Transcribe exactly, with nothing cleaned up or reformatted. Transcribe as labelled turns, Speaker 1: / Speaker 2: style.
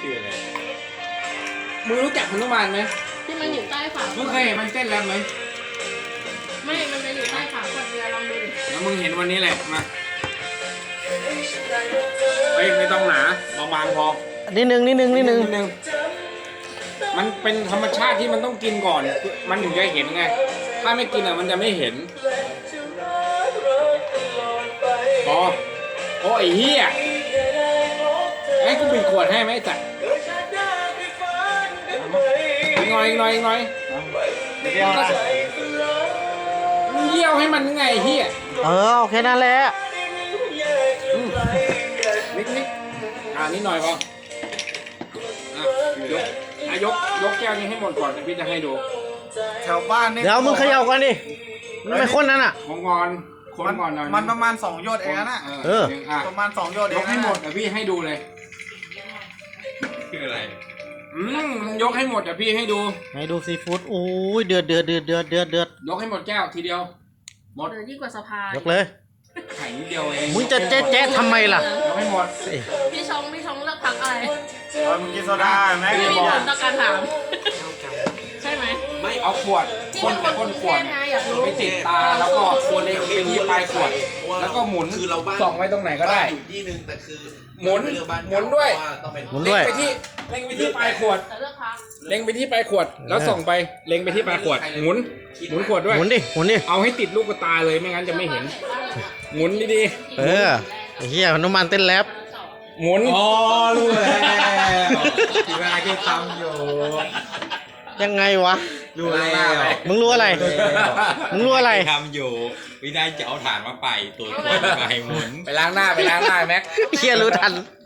Speaker 1: ชื่ออะไร
Speaker 2: มึงรู้จักฮนุมานไหม
Speaker 3: ที่มันอยู่ใต้ฝา
Speaker 2: มึงเคยเห็นมันเต้นแรปไหม
Speaker 3: ไม่ มันจะอยู่ใต้ฝาขวดเบียร์ลองดู
Speaker 2: แล้วมึงเห็นวันนี้แหละมาเฮ้ยไม่ต้องหนาบางๆพอ
Speaker 4: นิดนึงนิดนึงนิดนึง
Speaker 2: นิดนึงมันเป็นธรรมชาติที่มันต้องกินก่อน มันถึงจะเห็นไง ถ้าไม่กินอ่ะมันจะไม่เห็นพอโอ้ยเฮียให้กูปิดขวดให้ไหมจัดอีกหน่อยอีกหน่อยอีกหน่อย
Speaker 1: ไม่เรียกว่า
Speaker 2: มึงเยี่ยวให้มันไงเฮีย
Speaker 4: เออโอเคนั่นแหละ
Speaker 2: อืมนิดนิดอ่านิดหน่อยพออ่ะยกอ่ะยกยกแก้วนี้ให้หมดก่อนเดี๋ยวพี่จะให้ดู
Speaker 1: แถวบ้านนี่
Speaker 4: เดี๋ยวมึงเขย่าก่อนดิมันไม่คนนั้นอ่ะ
Speaker 2: ของก่อนคนก่อนหน่อย
Speaker 1: มันประมาณสองหยดเองนะ
Speaker 4: เออ
Speaker 2: อ่ะ
Speaker 1: ประมาณสองหยดเอย ง
Speaker 2: กให้หมดเดี๋ยวพี่ให้ดูเลย
Speaker 5: คืออะไร
Speaker 2: อืมยกให้หมดเดี๋ยวพี่ให้ดู
Speaker 4: ให้ดูซีฟู้ดโอ้ยเดือดเดือดเดือดเดือดเดือดเดือด
Speaker 2: ยกให้หมดแก้วทีเดียว หมด
Speaker 3: เดินยิ่งกว่าสะพาน
Speaker 4: ยกเลย
Speaker 2: ไข่นิดเดียวเอง
Speaker 4: มึงจะแจ๊ะแจ๊ะทำไมล่ะ
Speaker 2: ยกให้หมด
Speaker 3: พี่ชงพี่ชงเลือกพักอะไร
Speaker 1: เออมึงกินโซดาไหม
Speaker 3: ไม่
Speaker 1: กู
Speaker 3: มี
Speaker 1: บอ
Speaker 3: ผ
Speaker 1: ก
Speaker 3: ลต่อการถามใช่ไหม
Speaker 2: ไม่เอาขวด
Speaker 3: ที่
Speaker 2: คน
Speaker 3: เป็นคน
Speaker 2: คน
Speaker 3: กรุง
Speaker 2: ข
Speaker 3: เท
Speaker 2: วด
Speaker 3: พไงอยากรู้
Speaker 2: ไปติดตาแล้วก็ควรเล็งไปที่ปลายขวด แล้วก็หมุน
Speaker 5: คือเราบ้าน
Speaker 2: ส่องไว้ตรงไหนก็ได้
Speaker 5: อยู่ที่หนึงแต่คือ
Speaker 2: หมุน
Speaker 5: เรือบ้าน
Speaker 2: หมุนด้วย
Speaker 5: เพราะาต้องเป็น
Speaker 4: หมุนด้วย
Speaker 2: เล็งไปที่เล็งไปที่ปลายขวด
Speaker 3: แต่เลือกพัก
Speaker 2: เล็งไปที่ปลายขวด แล้วส่องไปเล็งไปที่ปลายขวด หมุน หมุนขวดด้วย
Speaker 4: หมุนดิหมุนดิ
Speaker 2: เอาให้ติดลูกตาเลยไม่งั้นจะไม่เห็น หมุนดี
Speaker 4: เออไอ้เฮียน้ำมันเต้นแรป
Speaker 2: ๆ หมุน
Speaker 1: อ๋อรู้แล้วที่เวลาแกทำอยู่
Speaker 4: ยังไงวะ
Speaker 1: รู้แล้ว
Speaker 4: มึงรู้อะไร มึงรู้อะไร
Speaker 5: ทำอยู่วิธีจะเอาฐานมาไปตัวตัวไปหมุน
Speaker 2: ไปล้างหน้าไปล้างหน้าแม็ก
Speaker 4: เฮียรู้ทัน